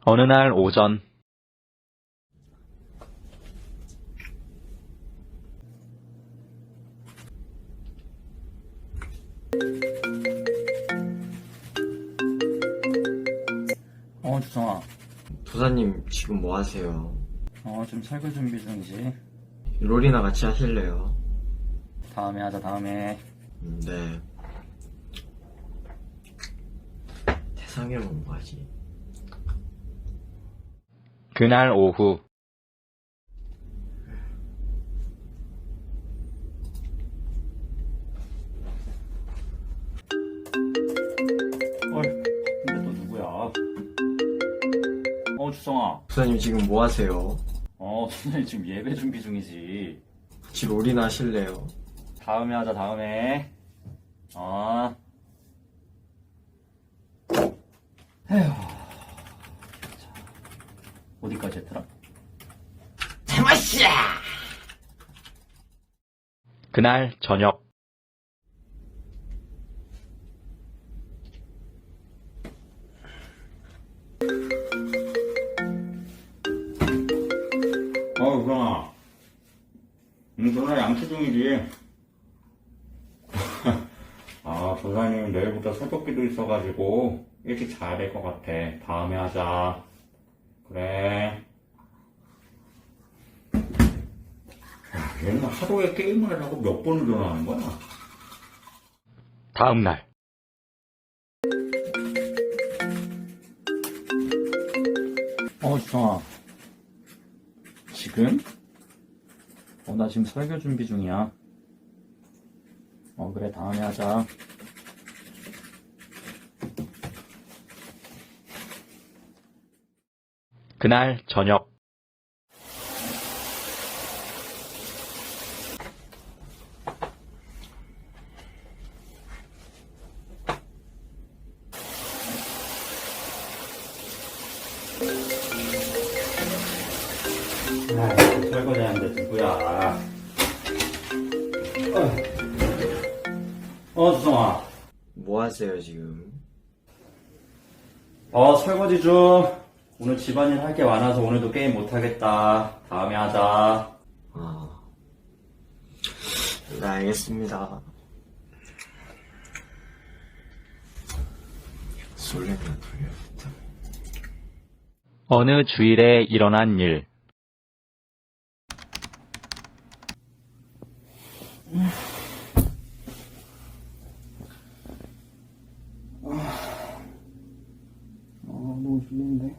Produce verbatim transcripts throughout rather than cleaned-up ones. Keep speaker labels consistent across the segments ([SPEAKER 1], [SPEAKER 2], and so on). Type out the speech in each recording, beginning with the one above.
[SPEAKER 1] 어느 날 오전,
[SPEAKER 2] 어, 주성아.
[SPEAKER 3] 도사님 지금 뭐 하세요?
[SPEAKER 2] 어, 좀 설거 준비 중이지.
[SPEAKER 3] 롤이나 같이 하실래요?
[SPEAKER 2] 다음에 하자, 다음에.
[SPEAKER 3] 음, 네. 대상이면 뭐하지?
[SPEAKER 1] 그날 오후,
[SPEAKER 2] 헐, 근데 너 누구야? 어, 주성아.
[SPEAKER 3] 도사님 지금 뭐 하세요?
[SPEAKER 2] 어, 선생님 지금 예배 준비 중이지.
[SPEAKER 3] 같이 롤이나 하실래요?
[SPEAKER 2] 다음에 하자, 다음에. 어. 에휴. 자, 어디까지 했더라?
[SPEAKER 1] 그날 저녁,
[SPEAKER 2] 어, 주성아. 응, 전화 양치 중이지. 아, 조사님 내일부터 새벽기도 있어가지고 일찍 자야 될 것 같아. 다음에 하자. 그래. 야, 얘는 하루에 게임을 하고 몇 번을 전화하는 거야?
[SPEAKER 1] 다음 날,
[SPEAKER 2] 어, 주성아. 지금? 어, 나 지금 설교 준비 중이야. 어, 그래, 다음에 하자.
[SPEAKER 1] 그날 저녁,
[SPEAKER 2] 아, 설거지 하는데 누구야? 어, 어, 주성아.
[SPEAKER 3] 뭐 하세요 지금?
[SPEAKER 2] 어, 설거지 중. 오늘 집안일 할 게 많아서 오늘도 게임 못하겠다. 다음에 하자.
[SPEAKER 3] 아, 네 알겠습니다. 솔레나 돌려야겠다.
[SPEAKER 1] 어느 주일에 일어난 일,
[SPEAKER 4] 아, 너무 졸린데.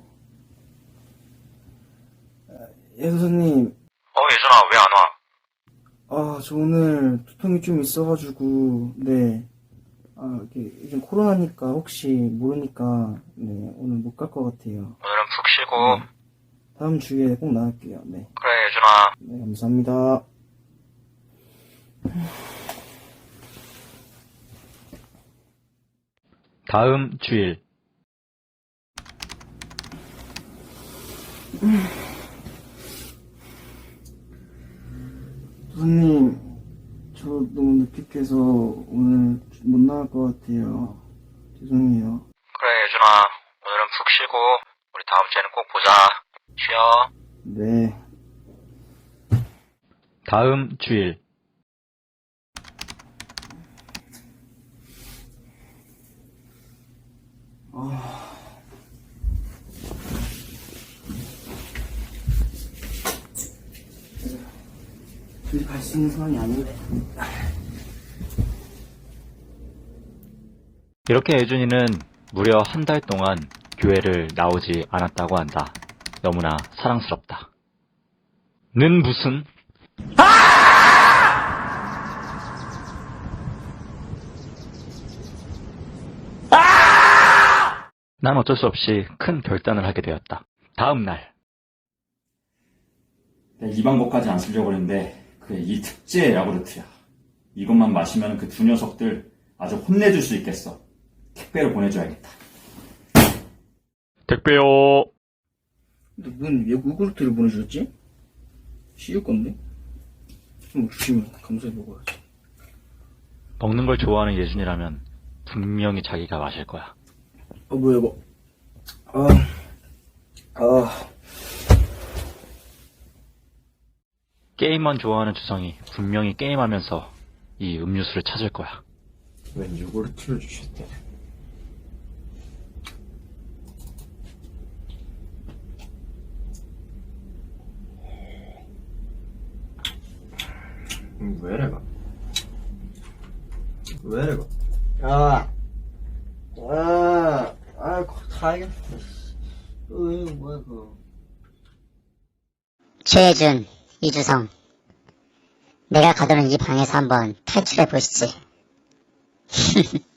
[SPEAKER 4] 예, 선생님.
[SPEAKER 1] 어, 예준아, 왜 안 와?
[SPEAKER 4] 아, 저 오늘 두통이 좀 있어가지고, 네. 아, 이게 요즘 코로나니까 혹시 모르니까, 네, 오늘 못 갈 것 같아요.
[SPEAKER 1] 오늘은 푹 쉬고,
[SPEAKER 4] 네. 다음 주에 꼭 나갈게요. 네.
[SPEAKER 1] 그래, 예준아.
[SPEAKER 4] 네, 감사합니다.
[SPEAKER 1] 다음 주일,
[SPEAKER 4] 선생님, 저 너무 늦게 깨서 오늘 못 나갈 것 같아요. 죄송해요.
[SPEAKER 1] 그래, 예준아. 오늘은 푹 쉬고, 우리 다음 주에는 꼭 보자. 쉬어.
[SPEAKER 4] 네.
[SPEAKER 1] 다음 주일,
[SPEAKER 4] 둘이 갈 수 있는 상황이 아닌데.
[SPEAKER 1] 이렇게 예준이는 무려 한 달 동안 교회를 나오지 않았다고 한다. 너무나 사랑스럽다. 는 무슨? 난 어쩔 수 없이 큰 결단을 하게 되었다. 다음 날,
[SPEAKER 2] 내가 이 방법까지 안 쓰려고 했는데, 그래, 이 특제 야구르트야. 이것만 마시면 그 두 녀석들 아주 혼내줄 수 있겠어. 택배로 보내줘야겠다.
[SPEAKER 1] 택배요.
[SPEAKER 4] 근데 뭔 요구르트를 보내주셨지? 씌울 건데? 좀 주시면 감사히 먹어야지.
[SPEAKER 1] 먹는 걸 좋아하는 예준이라면 분명히 자기가 마실 거야.
[SPEAKER 4] 어, 뭐야, 이거. 아, 아,
[SPEAKER 1] 게임만 좋아하는 주성이 분명히 게임하면서 이 음료수를 찾을 거야.
[SPEAKER 3] 웬 요구르트를 주셨대. 음, 왜 이래가? 왜 이래가? 아, 아, 아, 가야겠다. 어, 이거 뭐야, 그거.
[SPEAKER 5] 최혜준, 이주성. 내가 가두는 이 방에서 한번 탈출해 보시지.